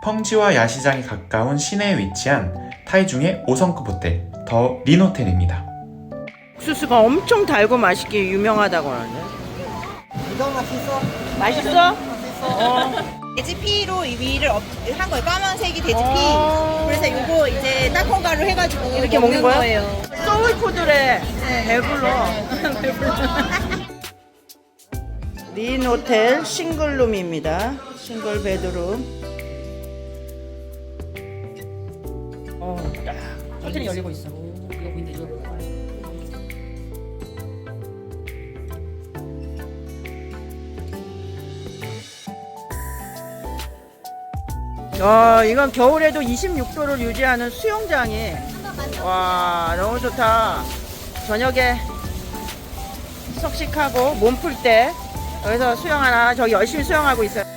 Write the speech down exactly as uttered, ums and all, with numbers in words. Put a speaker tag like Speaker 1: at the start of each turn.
Speaker 1: 펑지와 야시장이 가까운 시내에 위치한 타이중의 오 성급 호텔 더 린호텔입니다.
Speaker 2: 옥수수가 엄청 달고 맛있게 유명하다고 하는데.
Speaker 3: 이거 맛있어.
Speaker 2: 맛있어?
Speaker 3: 맛있어. 돼지피로 위를 업- 한 거예요. 까만색이 돼지피.
Speaker 2: 어.
Speaker 3: 그래서 이거 이제 땅콩가루 해가지고
Speaker 2: 이렇게 먹는 거야?
Speaker 3: 거예요.
Speaker 2: 소울푸드래.
Speaker 3: 네.
Speaker 2: 배불러. 린 호텔 싱글룸입니다. 싱글 베드룸. 어, 딱 호텔이 열리고 있어.
Speaker 4: 이거 보인다 이거.
Speaker 2: 야, 이건 겨울에도 이십육 도를 유지하는 수영장이. 와, 너무 좋다. 저녁에 석식하고 몸 풀 때 여기서 수영 하나, 저기 열심히 수영하고 있어요.